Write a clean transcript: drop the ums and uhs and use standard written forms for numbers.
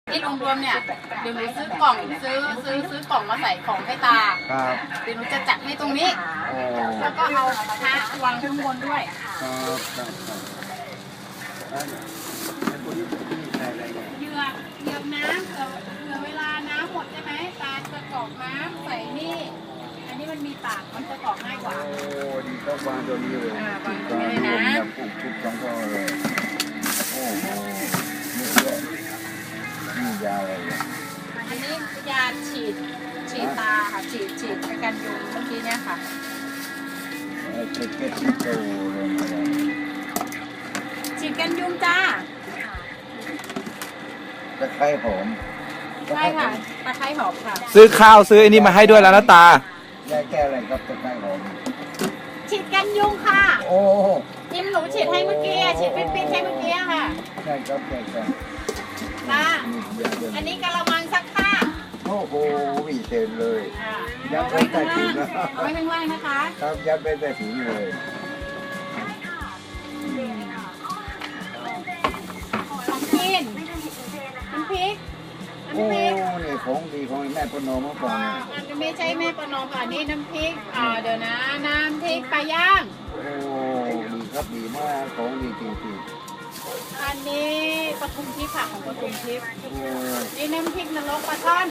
ที่รวมๆเนี่ยเดี๋ยวหนูซื้อกล่องซื้อกล่องมาใส่ของให้ตาครับเดี๋ยวหนูจะจัดให้ตรงนี้โอ้แล้วก็เอาพระวางข้างบนด้วยครับครับครับแล้วพวกนี้ใส่อะไรเนี่ยเหยือกน้ำเผื่อเวลาน้ำหมดใช่ไหมตาจะกรอกน้ำใส่นี่อันนี้มันมีปากมันจะกรอกง่ายกว่าโอ้ดีก็วางตัวนี้เลยวางตัวนี้เลยนะปลูกทุกช่องก็เลยโอ้โหนี่เยอะนี่ยาอะไรเนี่ยอันนี้ยาฉีดตาค่ะฉีดในการยุงเมื่อกี้เนี่ยค่ะเก็บที่โตเลยนะฉีดกันยุงจ้าตะไคร้หอมใช่ค่ะตะไคร้หอมค่ะซื้อข้าวซื้ออันนี้มาให้ด้วยแล้วนะตายาแก้อะไรครับตะไคร้หอมฉีดกันยุงค่ะโอ้จิ้มหนูฉีดให้เมื่อกี้ฉีดปิ๊ดๆให้เมื่อกี้ค่ะใช่ครับใช่ครับตานี่ยาเดินอันนี้กะละมังซักผ้าโอ้โหวิเศษเลยเอาไว้ข้างล่างเอาไว้ข้างล่างนะคะครับยัดไปแต่ถุงเลยของกินน้ำพริกโอ้น้ำพริกนี่ของดีของแม่ปนมเมื่อก่อนเนี่ยอันนี้ไม่ใช่แม่ประนอมค่ะอันนี้น้ำพริกเดี๋ยวนะน้ำพริกปลาย่างโอ้ดีครับดีมากของดีจริงอันนี้ปทุมทิพย์ค่ะของปทุมทิพย์ๆโอ้นี่น้ำพริกนรกปลาช่อน